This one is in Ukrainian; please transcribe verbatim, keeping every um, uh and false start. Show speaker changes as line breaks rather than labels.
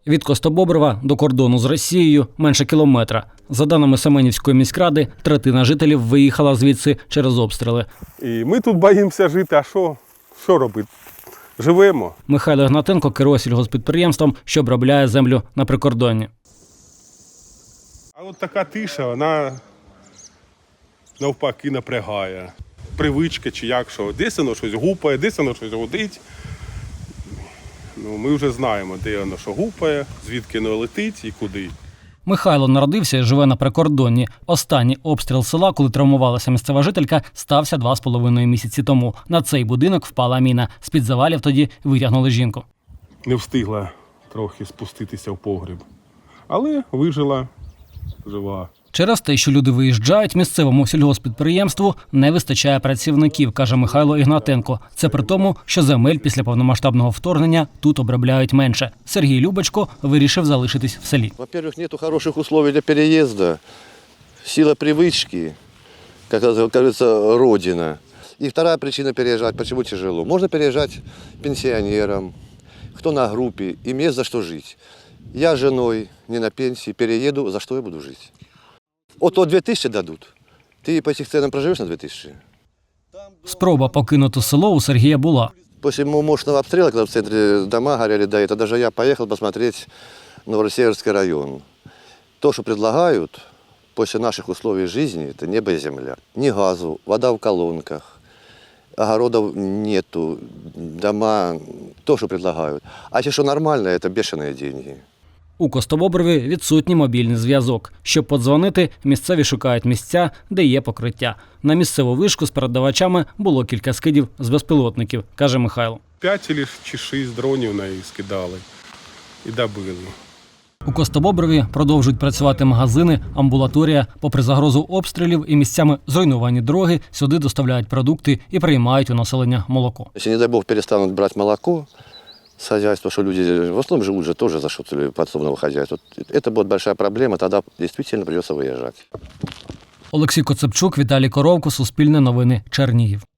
Від Костобоброва до кордону з Росією менше кілометра. За даними Семенівської міськради, третина жителів виїхала звідси через обстріли.
І ми тут боїмося жити, а що, що робити? Живемо.
Михайло Ігнатенко керує сільгосппідприємством, що обробляє землю на прикордонні.
А от така тиша, вона навпаки напрягає. Привичка чи як, що десь воно щось гупає, десь воно щось гудить. Ну, ми вже знаємо, де воно що гупає, звідки воно летить і куди.
Михайло народився і живе на прикордонні. Останній обстріл села, коли травмувалася місцева жителька, стався два з половиною місяці тому. На цей будинок впала міна. З-під завалів тоді витягнули жінку.
Не встигла трохи спуститися в погріб, але вижила, жива.
Через те, що люди виїжджають, місцевому сільгосппідприємству не вистачає працівників, каже Михайло Ігнатенко. Це при тому, що земель після повномасштабного вторгнення тут обробляють менше. Сергій Любочко вирішив залишитись в селі.
Во-первых, нету хороших условий для переезда, сила привычки, как говорится, родина. И вторая причина переезжать, почему тяжело. Можно переезжать пенсионерам, кто на группе, им есть за что жить. Я с женой не на пенсии, перееду, за что я буду жить? От то дві тисячі дадуть. Ти по цих ценам проживеш на дві тисячі?
Спроба покинути село у Сергія була.
После мощного обстрела, когда в центре дома горели, да, это даже я поехал посмотреть Новосеверский район. То, что предлагают после наших условий жизни, это небо и земля. Ни газу, вода в колонках, огородов нету, дома, то, что предлагают. А те, что нормально, это бешеные деньги.
У Костобоброві відсутній мобільний зв'язок. Щоб подзвонити, місцеві шукають місця, де є покриття. На місцеву вишку з передавачами було кілька скидів з безпілотників, каже Михайло.
П'ять чи шість дронів на їх скидали і добили.
У Костобоброві продовжують працювати магазини, амбулаторія. Попри загрозу обстрілів і місцями зруйновані дороги, сюди доставляють продукти і приймають у населення молоко.
Если, не дай бог, перестанут брать молоко с хозяйства, что люди в основном живут же тоже за счет подсобного хозяйства, это будет большая проблема, тогда действительно придется выезжать.
Олексій Коцепчук, Віталій Коровко, Суспільне новини, Чернігів.